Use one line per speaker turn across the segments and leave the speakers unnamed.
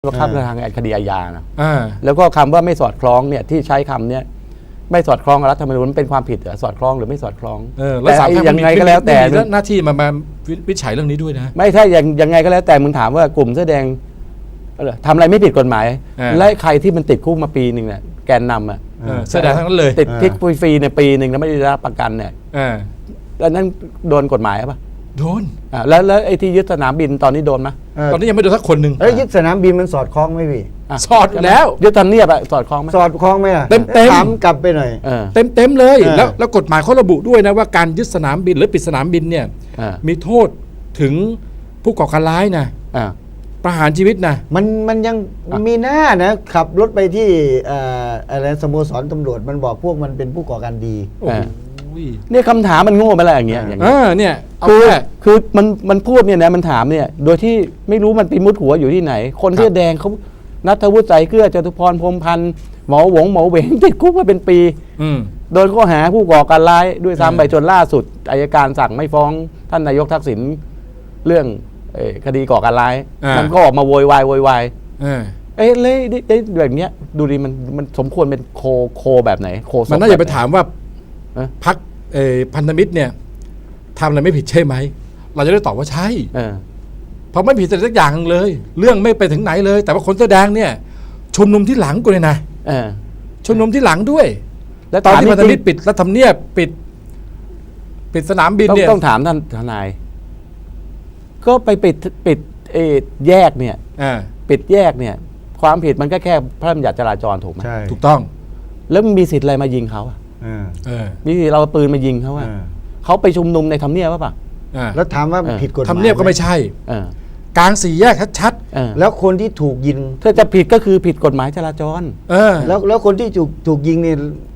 ว่าข้ามทางคดีอาญานะแล้วก็คำว่าไม่สอดคล้องเนี่ยที่ใช้คำเนี้ยไม่สอดคล้องกับรัฐธรรมนูญเป็นความผิดหรือสอดคล้องหรือไม่สอดคล้อง
แล้วศาลยังไงก็แล้วแต่หน้าที่มาวิจัยเรื่องนี้ด้วยนะ
ไม่ถ้ายังไงก็แล้วแต่มึงถามว่ากลุ่มเสื้อแดงทำอะไรไม่ผิดกฎหมายและใครที่มันติดคุกมาปีหนึ่งเนี่ยแกนนำอ่ะ
เสื้อแดงทั้งนั้นเลย
ติดทิกฟรีในปีหนึ่งแล้วไม่ได้รับประกันเนี่ยแล้วนั่นโดนกฎหมายป่ะ
โดน
แล้วไอ้ที่ยึดสนามบินตอนนี้โดนไหม
ตอนนี้ยังไม่โดนสักคนหนึ่ง
ยึดสนามบินมันสอดคล้องไหมพี่
สอดแล้ว
ยึดทำเนียบอะสอดคล้องไหม
สอดคล้องไหมอะ
เต็ม
ถามกลับไปหน่อย
เต็มเลยแล้วกฎหมายเขาระบุด้วยนะว่าการยึดสนามบินหรือปิดสนามบินเนี่ยมีโทษถึงผู้ก่อการร้ายนะประหารชีวิตนะ
มันยังมีหน้านะขับรถไปที่อะไรสโมสรตำรวจมันบอกพวกมันเป็นผู้ก่อการดี
เนี่ยคำถามมันโง่ไปแล้วอย่างเงี้ย
เนี่ย
คือมันพูดเนี่ยนะมันถามเนี่ยโดยที่ไม่รู้มันไปมุดหัวอยู่ที่ไหนคนเสื้อแดงเขานัทวุฒิใจเกลือจตุพรพรหมพันธ์หมอเหวงติดคุกมาเป็นปีโดนข้อหาผู้ก่อการร้ายด้วยซ้ำไปจนล่าสุดอัยการสั่งไม่ฟ้องท่านนายกทักษิณเรื่องคดีก่อการร้ายมันก็ออกมาโวยวายเลยแบบเนี้ยดูดิมันสมควรเป็นโคแบบไหนโค
มันน่าจะไปถามว่าพรรคพันธมิตรเนี่ยทำอะไรไม่ผิดใช่ไหมเราจะได้ตอบว่าใช่เพราะไม่ผิดสักอย่างเลยเรื่องไม่ไปถึงไหนเลยแต่ว่าคนเสื้อแดงเนี่ยชุมนุมที่หลังกูเลยนะชุมนุมที่หลังด้วยแล้วตอนที่พันธมิตรปิดรัฐธรรมเนียบปิดสนามบินเนี่ย
ต้องถามท่านทนายก็ไปปิดแยกเนี่ยปิดแยกเนี่ยความผิดมันก็แค่พระราชบัญญัติจราจรถูกไหม
ถูกต้อง
แล้วมีสิทธิ์อะไรมายิงเขามีสิทธิ์เราปืนมายิงเขาเขาไปชุมนุมในทำเนียบป่ะ
แล้วถามว่าผิดกฎหมาย
ทำเนียบก็ไม่ใช่กลางสี่แยกชัด
แล้วคนที่ถูกยิง
ถ้าจะผิดก็คือผิดกฎหมายจราจร
แล้วคนที่ถูกยิงเนี่ย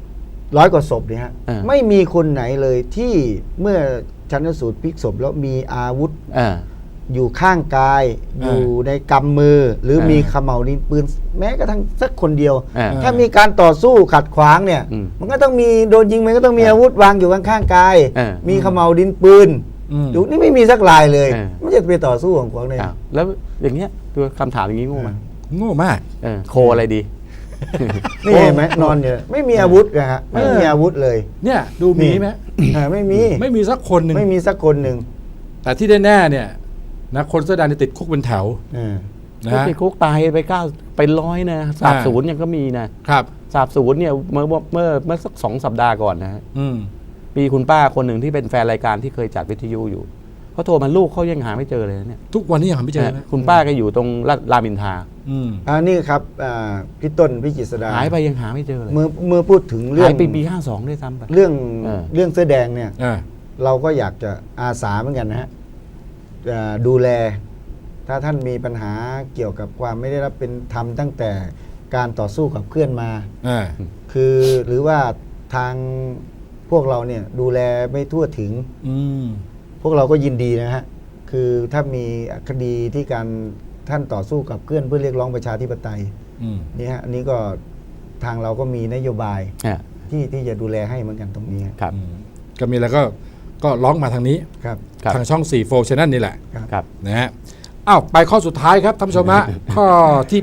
100 กว่าศพเนี่ยฮะไม่มีคนไหนเลยที่เมื่อชันสูตรพลิกศพแล้วมีอาวุธอยู่ข้างกายอยู่ในกำมือหรือมีเขม่าวดินปืนแม้กระทั่งสักคนเดียวถ้ามีการต่อสู้ขัดขวางเนี่ยมันก็ต้องมีโดนยิงมันก็ต้องมีอาวุธวางอยู่ข้างกายมีเขม่าวดินปืนดูนี่ไม่มีสักลายเลยไม่จะไปต่อสู้ของขวางเลย
แล้วอย่างเงี้ยตัวคำถามอย่างนี้โง่ไหม
โง่มาก
โคอะไรดี
นี่เห็นไหมนอนอยู่ไม่มีอาวุธนะฮะไม่มีอาวุธเลย
เนี่ยดูมีไหม
ไม่มี
สักคนหนึ่ง
ไม่มีสักคนหนึ่ง
แต่ที่แน่ๆเนี่ยนะคนเสื้อแดงติดคุกเป็นแถว
นะติดคุกตายไป9 ไป 100นะสาบสูญยังก็มีนะครับสาบสูญเนี่ยเมื่อสัก2 สัปดาห์ก่อนนะฮะมีคุณป้าคนหนึ่งที่เป็นแฟนรายการที่เคยจัดวิทยุอยู่เขาโทรมาลูกเขายังหาไม่เจอเลยเนี่ย
ทุกวันนี้ยังหาไม่เจอ
คุณป้าก็อยู่ตรงรามอินทรา
นี่ครับพี่ต้นพี่จิตรสดา
หายไปยังหาไม่เจอเลย
เมื่อพูดถึงเรื่อง
ปี52ด้วยซ้ำไป
เรื่องเสื้อแดงเนี่ยเราก็อยากจะอาสาเหมือนกันนะฮะดูแลถ้าท่านมีปัญหาเกี่ยวกับความไม่ได้รับเป็นธรรมตั้งแต่การต่อสู้กับเคลื่อนมาคือหรือว่าทางพวกเราเนี่ยดูแลไม่ทั่วถึงพวกเราก็ยินดีนะฮะคือถ้ามีคดีที่การท่านต่อสู้กับเคลื่อนเพื่อเรียกร้องประชาธิปไตยนี่ฮะอันนี้ก็ทางเราก็มีนโยบายที่จะดูแลให้เหมือนกันตรงนี้
ครับ
ก็มีแล้วก็ร้องมาทางนี้ทางช่อง4 4 Channel นี่แหละนะฮะไปข้อสุดท้ายครับท่านผู้ชมฮะข้อที่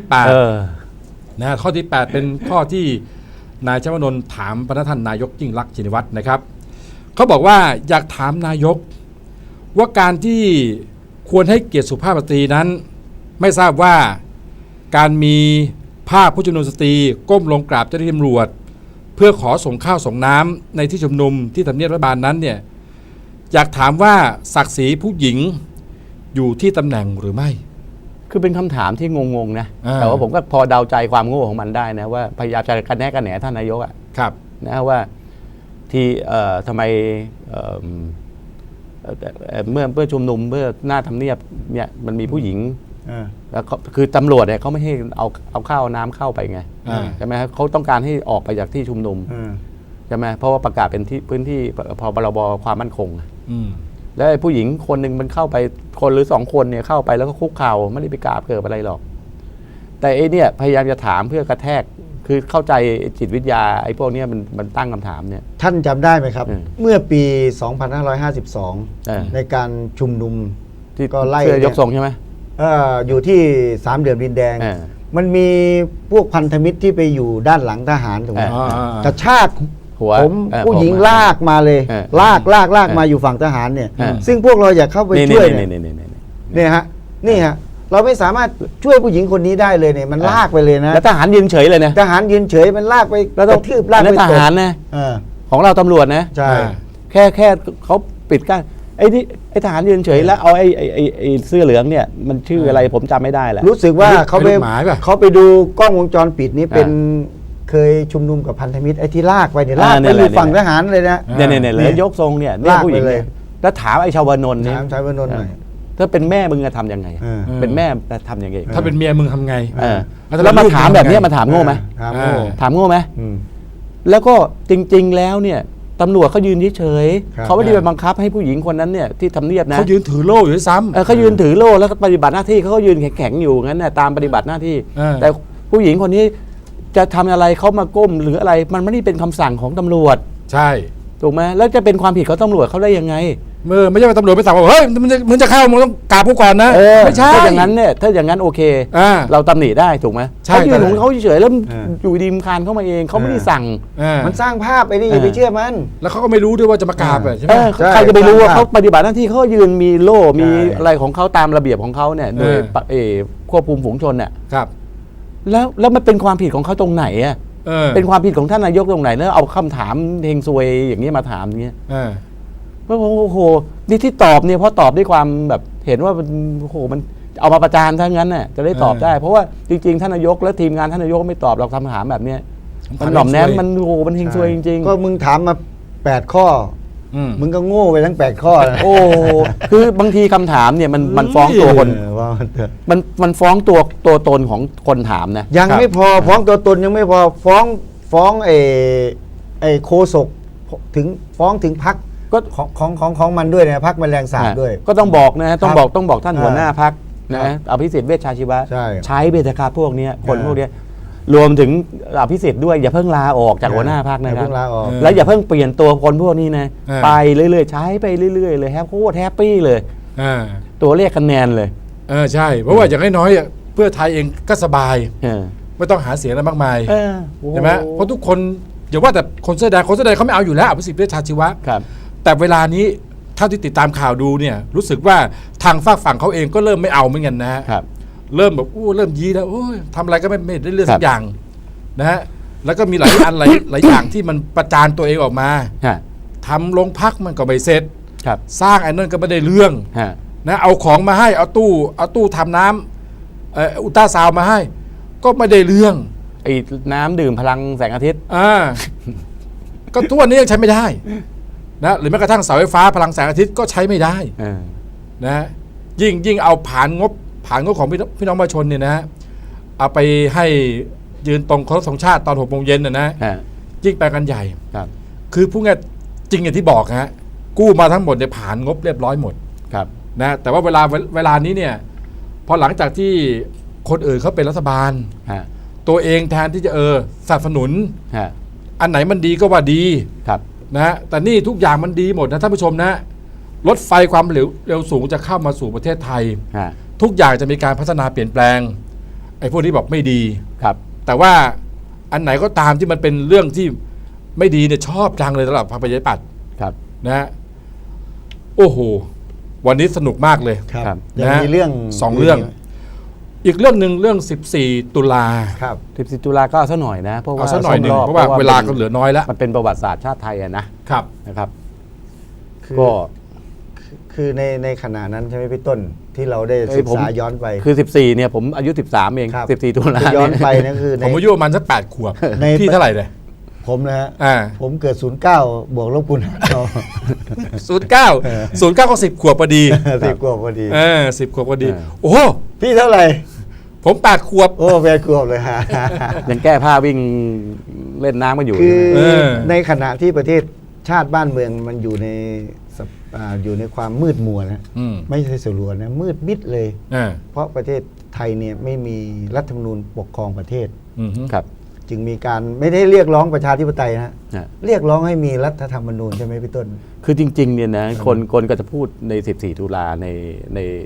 8นะข้อที่8เป็นข้อที่นายชวนนท์ถามพระท่านนายกยิ่งลักษณ์ชินวัตรนะครับเขาบอกว่าอยากถามนายกว่าการที่ควรให้เกียรติสุภาพสตรีนั้นไม่ทราบว่าการมีภาพผู้ชุมนุมสตรีก้มลงกราบเจ้าหน้าที่ตำรวจเพื่อขอส่งข้าวส่งน้ำในที่ชุมนุมที่ทำเนียบรัฐบาลนั้นเนี่ยอยากถามว่าศักดิ์ศรีผู้หญิงอยู่ที่ตำแหน่งหรือไม่
คือเป็นคำถามที่งงๆนะแต่ว่าผมก็พอเดาใจความโง่ของมันได้นะว่าพยายามจะกันแหนท่านนายกนะว่าที่ทำไมเมื่อชุมนุมเมื่อหน้าทำเนียบเนี่ยมันมีผู้หญิงแล้วคือตำรวจเนี่ยเขาไม่ให้เอาข้าวน้ำเข้าไปไงใช่ไหมครับเขาต้องการให้ออกไปจากที่ชุมนุมใช่ไหมเพราะว่าประกาศเป็นที่พื้นที่พรบความมั่นคงแล้วผู้หญิงคนหนึ่งมันเข้าไปคนหรือ2 คนเนี่ยเข้าไปแล้วก็คุกเข่าไม่ได้ไปกราบเกิดอะไรหรอกแต่เนี่ยพยายามจะถามเพื่อกระแทกคือเข้าใจจิตวิทยาไอ้พวกนี้มันตั้งคำถามเนี่ย
ท่านจำได้ไหมครับเมื่อปี 2552ในการชุมนุม
ที่ก็ไล่ยกทรงใช่ไหม
อยู่ที่สามเหลี่ยมดินแดง มันมีพวกพันธมิตรที่ไปอยู่ด้านหลังทหารถูกไหมกระชาก
หัว
ผมผู้หญิงลากมาเลย ลากมาอยู่ฝั่งทหารเนี่ย ซึ่งพวกเราอยากเข้าไปช่วยเนี่ยฮะนี่ฮะเราไม่สามารถช่วยผู้หญิงคนนี้ได้เลยเนี่ยมันลากไปเลยนะ
แล้วทหารยืนเฉยเลยนะ
ทหารยืนเฉยมันลากไป
แล้ว
ก
ต้อง
ระทืบลากไป
ท
ตบ
หารนะ ของเราตำรวจนะ
ใช่
แค่เขาปิดกั้นไอ้ทหารยืนเฉยแล้วเอาไอ้เสื้อเหลืองเนี่ยมันชื่ออะไรผมจำไม่ได้แหละ
รู้สึกว่าเขาไป
เป็นลูกหมายป่ะ
เขาไปดูกล้องวงจรปิดนี้เป็นเคยชุมนุมกับพันธมิตรไอ้ที่ลากไปเนี่ยลากไปอยู่ฝั่งทหารเลยนะ
เนี่ยเลยยกทรงเนี่ย
ลาก
ผู้หญิง
ไปเลย
แล้วถามไอ้ชาวานนท์เนี่ย
ถามชายวนนท์หน่อย
ถ้าเป็นแม่มึงจะทำยังไง เป็นแม่จะทำยังไง
ถ้าเป็นเมียมึงทำไง
แล้วมาถามแบบนี้มาถามโง่ไหม
ถามโง่
ถามโง่ไหม
อืม
แล้วก็จริง ๆ แล้วเนี่ยตำรวจเขายืนเฉย
ครับ
ๆเขาไม่ได้ไปบังคับให้ผู้หญิงคนนั้นเนี่ยที่ทำเนียบนะ
เขายืนถือโล่อยู่ด้วยซ้ำ
เขายืนถือโล่แล้วก็ปฏิบัติหน้าที่เขาก็ยืนแข็งๆอยู่งั้นน่ะตามปฏิบัติหน้าที่ แต่ผู้หญิงคนนี้จะทำอะไรเขามาก้มหรืออะไรมันไม่ได้เป็นคำสั่งของตำรวจ
ใช่
ถูกไหมแล้วจะเป็นความผิดของตำรวจเขาได้ยังไง
ไม่ใช่ว่าตำรวจไปสั่งว่าเฮ้ยมึงจะเข้ามึงต้องกราบผู้ก่อนนะไม่ใช่
ถ้าอย่างนั้นเนี่ยถ้าอย่างนั้นโอเค เราตำหนิได้ถูกไหม
ใช่
เขายืนของเขาเฉยๆแล้วอยู่ดีมคานเข้ามาเองเขาไม่ได้สั่ง
มันสร้างภาพไปนี่อย่าไปเชื่อมัน
แล้วเขาก็ไม่รู้ด้วยว่าจะมากราบใช่ไหม
ใครจะไปรู้ว่า
ใช่
เขาปฏิบัติหน้าที่เขาก็ยืนมีโล่มี
ใช่
อะไรของเขาตามระเบียบของเขาเนี่ยโดยควบคุมฝูงชนเนี่ย
ครับ
แล้วมันเป็นความผิดของเขาตรงไหนอ่ะ เป็นความผิดของท่านนายกตรงไหนแล้วเอาคำถามเฮงซวยอย่างนี้มาถามอย่างเงี้ยโอ้โหนี่ที่ตอบเนี่ยเพราะตอบด้วยความแบบเห็นว่ามันโอ้โหมันเอามาประจานทั้งนั้นน่ะจะได้ตอบได้ เพราะว่าจริงๆท่านนายกและทีมงานท่านนายกไม่ตอบเราคำถามแบบเนี้ยมันหน่อมแนมมันโอ้โหมันเฮงซวยจริงๆ
ก็มึงถามมา8 ข้อมึงก็โง่ไปทั้ง8 ข้อนะ
โอ้คือบางทีคำถามเนี่ยมันฟ้องตัวคน
ว่ามันเถอะ
มันฟ้องตัวตนของคนถามนะ
ยังไม่พอฟ้องตัวตนยังไม่พอฟ้องไอ้โคศกถึงฟ้องถึงพรรค
ก็
ของมันด้วยนะพรรคแมลงสาบด้วย
ก็ต้องบอกนะต้องบอกท่านหัวหน้าพรรคนะอภิสิทธิ์เวชชาชีวะ
ใช่
เบญจการพวกเนี้ยคนพวกเนี้ยรวมถึงอภิสิทธิ์ด้วยอย่าเพิ่งลาออกจากหัวหน้าพรรคนะครับ
อย่าเพิ่งลาออก
แล้วอย่าเพิ่งเปลี่ยนตัวคนพวกนี้นะไปเรื่อยๆใช้ไปเรื่อยๆเลยโคตรแฮปปี้เลยตัวเลขคะแนนเลย
ใช่เพราะว่าอย่างน้อยๆเพื่อไทยเองก็สบายไม่ต้องหาเสียงอะไรมากมายใช่ไหมเพราะทุกคนอย่าว่าแต่คนเสื้อแดงเขาไม่เอาอยู่แล้วอภิสิทธิ์เวชชาชีวะแต่เวลานี้เท่าที่ติดตามข่าวดูเนี่ยรู้สึกว่าทางฝากฝั่งเขาเองก็เริ่มไม่เอาเหมือนกันนะฮะเริ่มแบบเริ่มยีแล้วทำอะไรก็ไม่ได้เรื่องสักอย่างนะฮะแล้วก็มีหลายอันหลายอย่างที่มันประจานตัวเองออกมาทำโรงพักมันก็ไม่เสร็จสร้างไอ้นั่นก็ไม่ได้เรื่องนะเอาของมาให้เอาตู้ทำน้ำอุลตราซาวน์มาให้ก็ไม่ได้เรื่อง
ไอ้น้ำดื่มพลังแสงอาทิตย์
ก็ทุกวันนี้ยังใช้ไม่ได้นะหรือแม้กระทั่งเสาไฟฟ้าพลังแสงอาทิตย์ก็ใช้ไม่ได้นะยิ่งเอาผ่านงบของพี่น้องประชาชนเนี่ยนะเอาไปให้ยืนตรงเคารพธงชาติตอน6 โมงเย็นนะยิ่งไปกันใหญ่คือพูดง่ายจริงอย่างที่บอกฮะกู้มาทั้งหมดเนี่ยผ่านงบเรียบร้อยหมดนะแต่ว่าเวลานี้เนี่ยพอหลังจากที่คนอื่นเขาเป็นรัฐบาลตัวเองแทนที่จะสนับสนุนอันไหนมันดีก็ว่าดีนะแต่นี่ทุกอย่างมันดีหมดนะท่านผู้ชมนะรถไฟความเร็วสูงจะเข้ามาสู่ประเทศไทยทุกอย่างจะมีการพัฒนาเปลี่ยนแปลงไอ้พวกนี้บอกไม่ดีแต่ว่าอันไหนก็ตามที่มันเป็นเรื่องที่ไม่ดีเนี่ยชอบจังเลยสำหรับพรรคประชาธิปัตย์นะโอ้โหวันนี้สนุกมากเลย
ยังมีเรื่อง
2 เรื่องอีกเรื่องหนึ่งเรื่อง14 ตุลา
14 ตุลาก็เอาซะหน่อยนะเพราะว่า
เอาซะหน่อยนึงเพราะว่าเวลาก็เหลือน้อยแล้ว
มันเป็นประวัติศาสตร์ชาติไทยนะครับก็
คือในขณะนั้นใช่ไหมพี่ต้นที่เราได้ศึกษาย้อนไป
คือ14เนี่ยผมอายุ13เอง14 ตุลา
ย้อนไปนั่นคือ
ผมอายุประมาณสัก8 ขวบพี่เท่าไหร่เลย
ผมนะฮะผมเกิด09บวกลบคูณหาร
09ก็10 ขวบพอดี
10 ขวบพอดี
10 ขวบพอดีโอ้
พี่เท่าไหร่
ผม8 ขวบ
โอ้8 ขวบเลยฮะ
ยังแก้ผ้าวิ่งเล่นน้ำกันอยู่
คือในขณะที่ประเทศชาติบ้านเมืองมันอยู่ในความมืดมัวนะไม่ใช่สลัวนะมืดมิดเลยเพราะประเทศไทยเนี่ยไม่มีรัฐธรรมนูญปกครองประเทศจึงมีการไม่ได้เรียกร้องประชาธิปไตยนะเรียกร้องให้มีรัฐธรรมนูญใช่ไหมพี่ต้น
คือจริงๆเนี่ยนะคนก็จะพูดใน14 ตุลาใน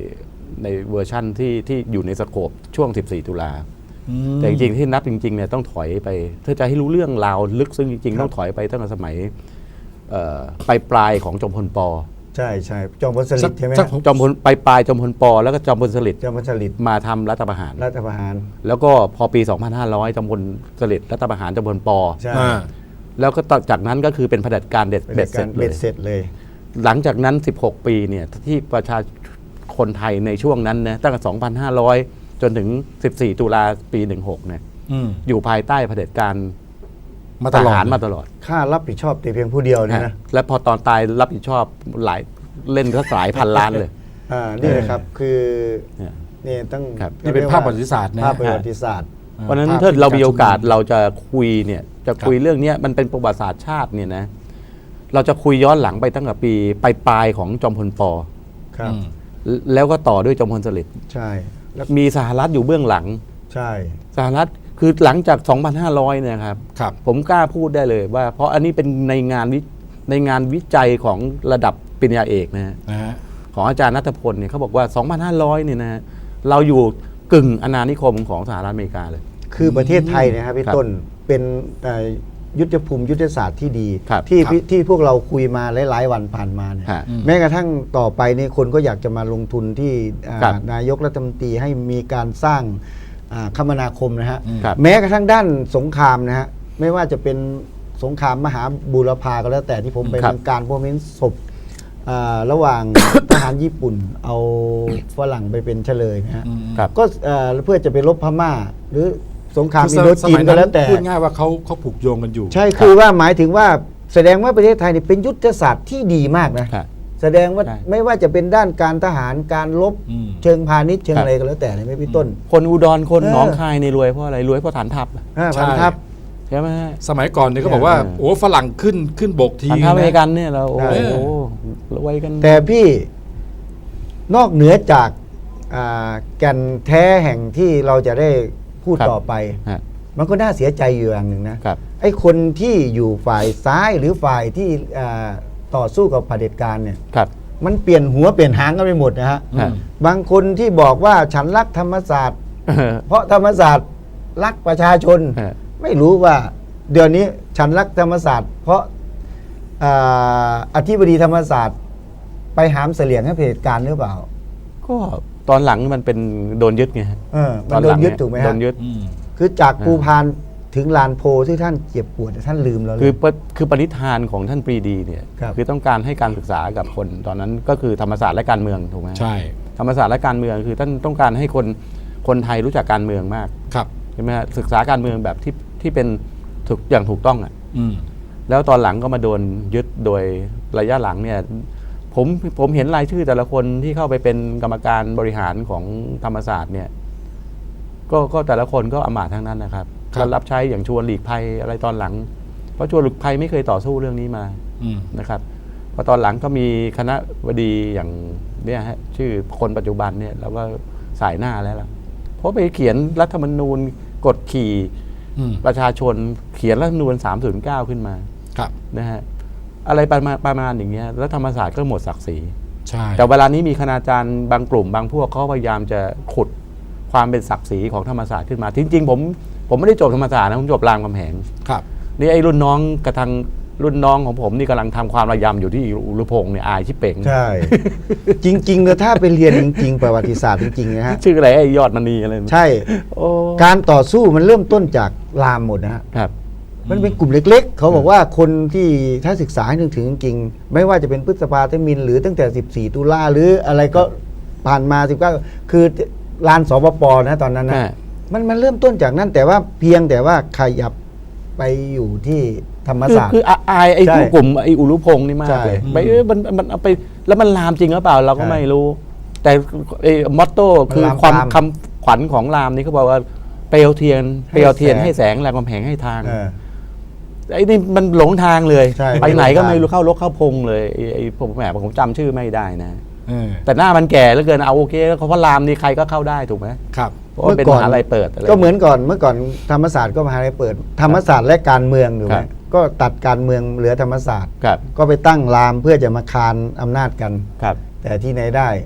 ในเวอร์ชั่นที่อยู่ในสโคปช่วง 14 ตุลาแต่จริงๆที่นับจริงๆเนี่ยต้องถอยไปถ้าจะให้รู้เรื่องราวลึกซึ้งจริงๆต้องถอยไปตั้งแต่สมัยปลายของจอมพลป.
ใช่ใช่จอมพลสฤษดิ์ใช่ไหม
จอมพลปลายจอมพลป.แล้วก็จอมพลสฤษดิ์
จอมพลสฤษดิ์
มาทำรัฐประหาร
แล้ว
ก็พอปี 2500 จอมพลสฤษดิ์รัฐประหารจอมพลป.
ใช่
แล้วก็ต่อจากนั้นก็คือเป็นเผด็จการเบ็ดเสร็จ
เบ็ดเสร็จเลย
หลังจากนั้น 16 ปีเนี่ยที่ประชาคนไทยในช่วงนั้นนะตั้งแต่ 2,500 จนถึง 14 ตุลาปี 16 เนี่ยอยู่ภายใต้เผด็จการทหารมาตลอด
ข้ารับผิดชอบแต่เพียงผู้เดียวเนี่ยนะ
และพอตอนตายรับผิดชอบหลายเล่นก็หลายพันล้านเลย
นี่นะครับคือนี่ต้อง
นี่เป็นภาพประวัติศาสตร์นะ
ภาพประวัติศาสตร์
เพราะฉะนั้นถ้าเรามีโอกาสเราจะคุยเนี่ยจะคุยเรื่องนี้มันเป็นประวัติศาสตร์ชาติเนี่ยนะเราจะคุยย้อนหลังไปตั้งแต่ปีปลายของจอมพลป.
ครับ
แล้วก็ต่อด้วยจอมพลสฤษดิ์
ใช่แล้ว
มีสหรัฐอยู่เบื้องหลัง
ใช่
สหรัฐคือหลังจาก 2,500 เนี่ยครับ
ครับ
ผมกล้าพูดได้เลยว่าเพราะอันนี้เป็นในงานวิจัยของระดับปริญญาเอกนะฮะ
นะฮะ
ของอาจารย์ณัฐพลเนี่ยเขาบอกว่า 2,500 เนี่ยนะเราอยู่กึ่งอาณานิคมของสหรัฐอเมริกาเลย
คือประเทศไทยนะครับพี่
ครับ
ต้นเป็นยุทธภูมิยุทธศาสตร์ที่ดี
ครับ
ที่พวกเราคุยมาหลายๆวันผ่านมาเนี่ย
ฮะ
แม้กระทั่งต่อไปนี่คนก็อยากจะมาลงทุนที่
ครับ
นายกรัฐมนตรีให้มีการสร้างคมนาคมนะฮะ
ครับ
แม้กระทั่งด้านสงครามนะฮะไม่ว่าจะเป็นสงครามมหาบูรพาก็แล้วแต่ที่ผมไป
ครับ
เมืองการพวกนี้ศพระหว่าง ทหารญี่ปุ่นเอาฝรั่งไปเป็นเฉลยนะฮะ
ครับ
ก็เพื่อจะไปรบพม่า หรือสงคราม
คือ
อินโดจีนก็แล้วแต่
พูดง่ายว่าเขาผูกโยงกันอยู่
ใช่คือว่าหมายถึงว่าแสดงว่าประเทศไทยนี่เป็นยุทธศาสตร์ที่ดีมากนะ
ครับ
แสดงว่า
ใช่
ไม่ว่าจะเป็นด้านการทหารการรบเชิงพาณิชย์เชิงอะไรก็แล้วแต่เนี่ยไม่พี่ต้น
คนอุดรคน
เออ
หนองคายในรวยเพราะอะไรรวยเพราะฐานทัพ
พันทัพ
ใช่ไหมฮะ
สมัยก่อนเนี่ยเขาบอกว่า โอ้ฝรั่งขึ้นบกที
ฐานทัพอเมริ
นะ
กันเนี่ยเราโอ้
ใช่
โหรวยกัน
แต่พี่นอกเหนือจากแก่นแท้แห่งที่เราจะได้พูด
ครับ
ต่อไป
ฮะ
มันก็น่าเสียใจอยู่อย่างหนึ่งนะครับ ไอ้คนที่อยู่ฝ่ายซ้ายหรือฝ่ายที่ต่อสู้กับเผด็จการเนี่ย
ครับ
มันเปลี่ยนหัวเปลี่ยนหางกันไปหมดนะฮะ
ฮะ
บางคนที่บอกว่าฉันรักธรรมศาสตร์ เพราะธรรมศาสตร์รักประชาชน
ฮะ
ไม่รู้ว่าเดี๋ยวนี้ฉันรักธรรมศาสตร์ เพราะอธิบดีธรรมศาสตร์ ไปหามเสลี่ยงให้เผด็จการหรือเปล่า
ก็ตอนหลังมันเป็นโดนยึดไงฮะ
มันโดนยึดถูกไหม
โด
ฮะ
นยึด
คือจากภูพานถึงลานโพที่ท่านเจ็บปวดท่านลืมแล้วเลย
คือปณิธานของท่านปรีดีเนี่ย
ครับ
คือต้องการให้การศึกษากับคนตอนนั้นก็คือธรรมศาสตร์และการเมืองถูกไหม
ใช่
ธรรมศาสตร์และการเมืองคือท่านต้องการให้คนไทยรู้จักการเมืองมาก
ครับ
ใช่ไหมฮะศึกษาการเมืองแบบที่เป็นอย่างถูกต้องอ่ะ
อืม
แล้วตอนหลังก็มาโดนยึดโดยระยะหลังเนี่ยผมเห็นรายชื่อแต่ละคนที่เข้าไปเป็นกรรมการบริหารของธรรมศาสตร์เนี่ยก็แต่ละคนก็อำมาตย์ทั้งนั้นนะครับ
ครับ
ก็รับใช้อย่างชวนหลีกภัยอะไรตอนหลัง เพราะชวนหลีกภัยไม่เคยต่อสู้เรื่องนี้มา
อืม
นะครับพอตอนหลังก็มีคณะบดีอย่างเนี่ยฮะชื่อคนปัจจุบันเนี่ยเราก็สายหน้าแล้วล่ะเพราะไปเขียนรัฐธรรมนูญกดขี่
อืม
ประชาชนเขียนรัฐธรรมนูญ309 ขึ้นมา
ครับ
นะฮะอะไรประมาณอย่างเงี้ยแล้วธรรมศาสตร์ก็หมดศักดิ์ศรี
ใช่
แต่เวลานี้มีคณาจารย์บางกลุ่มบางพวกเขาพยายามจะขุดความเป็นศักดิ์ศรีของธรรมศาสตร์ขึ้นมาจริงๆผมไม่ได้จบธรรมศาสตร์นะผมจบรามคำแหง
ครับ
นี่ไอ้รุ่นน้องกระทั่งรุ่นน้องของผมนี่กำลังทำความระยำอยู่ที่อุรุพงศ์เนี่ยอายชิบเป๋ง
ใช่ จริงๆเลยถ้าไปเรียนจริงๆประวัติศาสตร์จริงๆนะฮะ
ชื่ออะไรไอ้ยอดมณีอะไรนะ
ใช่
โอ้
การต่อสู้มันเริ่มต้นจากรามหมดนะฮะ
ครับ
มันเป็นกลุ่มเล็กๆ เขาบอกว่าคนที่ถ้าศึกษาให้นึกถึงจริงๆ ไม่ว่าจะเป็นพฤษภาธมิฬหรือตั้งแต่ 14 ตุลาหรืออะไรก็ผ่านมา 19 คือลานสปปนะตอนนั้นนะ มันเริ่มต้นจากนั้นแต่ว่าเพียงแต่ว่าขยับไปอยู่ที่ธรรมศาสตร์
คืออายไอ้
ใช่
ผู้กลุ่มไอ้อุรุพงศ์นี่มากเลย
ใช่
ไปมันเอาไปแล้วมันลามจริงหรือเปล่าเราก็
ใช่
ไม่รู้ แต่ไอ้มอตโต้คือ
มันลาม
ความ
ตาม
คำขวัญของรามนี่เขาบอกว่าเปลวเทียน
ให้
เปลวเทียน
แสง
ให้แสงแรงกำแพงให้ทาง
เออ
ไอ้นี่มันหลงทางเลย
ใช่
ไปไหนก็
หลงทาง
ไม่รู้เข้ารกเข้าพงเลยไอ้ผมจำชื่อไม่ได้นะ
เออ
แต่หน้ามันแก่แล้วเกินเอาโอเคแล้วเพราะรามนี่ใครก็เข้าได้ถูกไหม
ครับ
เพราะว่าเป็นมหาลัยเปิดอะไร
ก็เหมือนก่อนเมื่อก่อนธรรมศาสตร์ก็มหาลัยเปิด ธรรมศาสตร์และการเมืองถูกไห
ค
ม
รับ
ก็ตัดการเมืองเหลือธรรมศาสตร์
ครับ
ก็ไปตั้งรามเพื่อจะมาคานอำนาจกัน
ครับ
แต่ที่ไหนได้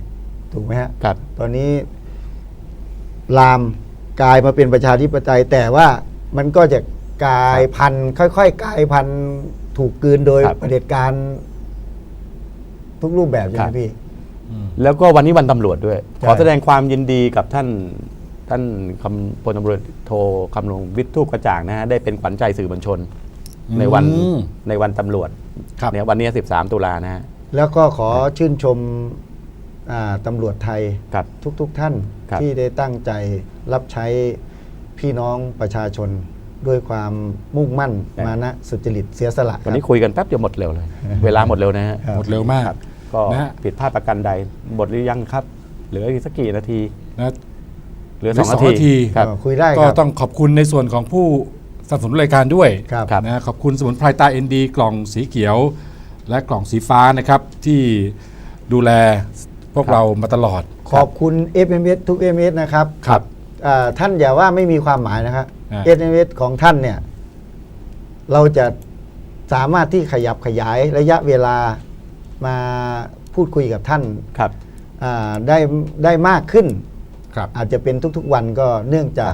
ถูกไหมฮะ
ครับ
ตอนนี้ลามกลายมาเป็นประชาธิปไตย แต่ว่ามันก็จะกลายพันธุ์ค่อยๆกลายพันธุ์ถูกกลืนโดย
ครับ
เผด็จการทุกรูปแบบใช่ไห
ค
ม
รับ
พี่
แล้วก็วันนี้วันตำรวจด้วย
ใช่
ขอแสดงความยินดีกับท่านพลตำรวจโทคำนงวิทย์ทูปกระจ่างนะฮะได้เป็นขวัญใจสื่อมวลชน ในวันตำรวจ
ครับ
เนี่ยวันนี้ 13 ตุลานะฮะ
แล้วก็ขอชื่นชมตำรวจไทย
ครับ
ทุกท่าน
ครับ
ที่ได้ตั้งใจรับใช้พี่น้องประชาชนด้วยความมุ่งมั่น
ครับ
มานะสุจริตเสียสละ
วันนี้
ครับ
คุยกันแป๊บเดียวหมดเร็วเลย เวลาหมดเร็วนะฮะ
ครับ
หมดเร็วมาก
ครับก็
นะฮะ
ผิดพลาดประกันใดหมดหรือยังครับ เหลืออีกสักกี่นาที
นะ
เหลือ
เหลือ
2 นา
2 นาที
ทีครับ
คุยได้
ก็
ครับ
ต้องขอบคุณในส่วนของผู้สนับสนุนรายการด้วย
ครับ
ครับ
นะขอบคุณสมุนไพรตาเอ็นดีกล่องสีเขียว และกล่องสีฟ้านะครับที่ดูแลพวกเรามาตลอด
ขอบคุณ FMS ทุก FMS นะครับ
ครับ
ท่านอย่าว่าไม่มีความหมายนะครับ
อ่า
FMS ของท่านเนี่ย เราจะสามารถที่ขยับขยายระยะเวลามาพูดคุยกับท่าน
ครับ
ได้มากขึ้น
ครับ
อาจจะเป็นทุกๆวันก็เนื่องจาก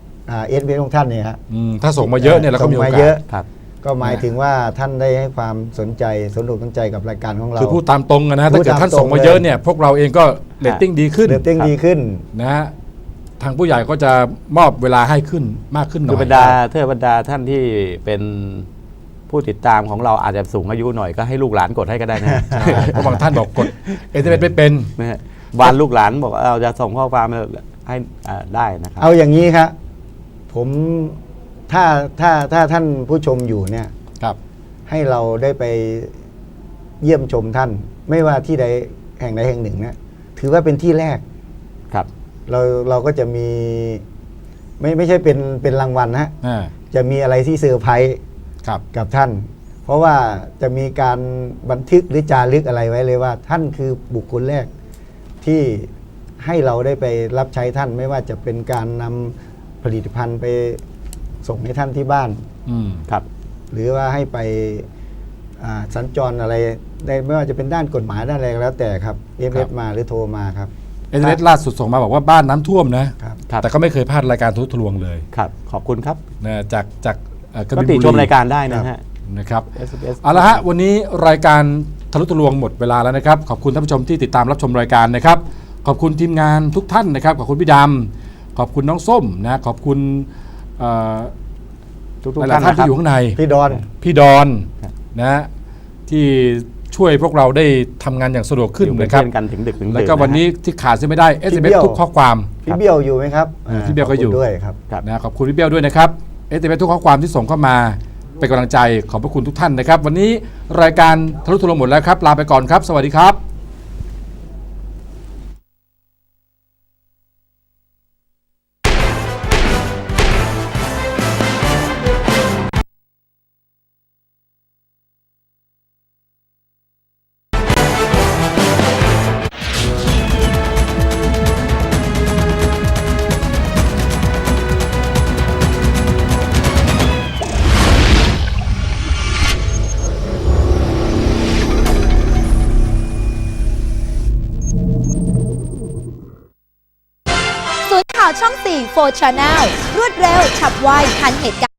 FMS ของท่านเนี่ยฮะ
ถ้าส่งมาเยอะเนี่ยเราก็มีโอ
ส่ง
กา
เย
ส
อะ
ครับ
ก็หมายถึงว่าท่านได้ให้ความสนใจสนอกสนใจกับรายการของเรา
คือพูดตามตรงนะ
พู
ถ้า
ด
เกิดท่าน
ตามตรง
ส่งมาเยอะเนี่ยพวกเราเองก็เรตติ้งดีขึ้น
เรตติ้งดีขึ้น
นะฮะทางผู้ใหญ่ก็จะมอบเวลาให้ขึ้นมากขึ้นหน่
คือ
อย
บรรดาท่านที่เป็นผู้ติดตามของเราอาจจะสูงอายุหน่อยก็ให้ลูกหลานกดให้ก็ได้นะ
ใช่เพราะบางท่านบอกกดเอเไม่เป็น
นะฮะวานลูกหลานบอกว่าเราจะส่งข้อความให้ได้นะครับ
เอาอย่างนี้ครับผมถ้าท่านผู้ชมอยู่เนี่ย
ครับ
ให้เราได้ไปเยี่ยมชมท่าน ไม่ว่าที่ใดแห่งใดแห่งหนึ่งนะถือว่าเป็นที่แรก
ครับ
เราก็จะมีไม่ใช่เป็นรางวัลนะฮะ
อ่า
จะมีอะไรที่เซอร์ไพรส์
ครับ
กับท่าน เพราะว่าจะมีการบันทึกหรือจารึกอะไรไว้เลยว่า ท่านคือบุคคลแรกที่ให้เราได้ไปรับใช้ท่าน ไม่ว่าจะเป็นการนำผลิตภัณฑ์ไปส่งให้ท่านที่บ้าน
ครับ
หรือว่าให้ไปสัญจรอะไรได้ไม่ว่าจะเป็นด้านกฎหมายด้านอะไรก็แล้วแต่ครับเอฟ
ครั
เอบ มาหรือโทรมาครับ
เอเล่าสุดส่งมาบอกว่าบ้านน้ำท่วมนะ
ครับ
ครับ
แต่ก็ไม่เคยพลาดรายการทุกทะลวงเลย
ครับ ขอบคุณครับ
นะจากก
ก็
บิน
ติ
บุ
ชมรายการได้นะฮะ
นะครับ
SBS
เอาละฮะวันนี้รายการทะลุทะลวงหมดเวลาแล้วนะครับขอบคุณท่านผู้ชมที่ติดตามรับชมรายการนะครับขอบคุณทีมงานทุกท่านนะครับขอบคุณพี่ดำขอบคุณน้องส้มนะขอบคุณ
ทุก
ห
ๆ
ลาย
ท่าน
ๆท่าน
นะค
ที่
รับ
อยู่ข้างใน
พี่ดอน
พี่ดอน
ครับ
นะที่ช่วยพวกเราได้ทำงานอย่างสะดวกขึ้น
อยู่เป็น
นะครับ
เพื่อนกันถึงดึกถึงดื่น
แล้วก็วันนี้ที่ขาดเสียไม่ได้
พี่
SMS
เบี้ยว
ทุกข้อความ
พี่เบี้ยวอยู่ไหมครับ
พี่เบี้ยวก็อยู่
ขบคุณด้วยครับ
นะขอบคุณพี่เบี้ยวด้วยนะครับ SMS ทุกข้อความที่ส่งเข้ามาเป็นกำลังใจขอบพระคุณทุกท่านนะครับ วันนี้รายการทะลุทะลวงหมดแล้วครับลาไปก่อนครับ สวัสดีครับ
ศูนย์ข่าวช่อง 4 4 Channel รวดเร็วฉับไวทันเหตุการณ์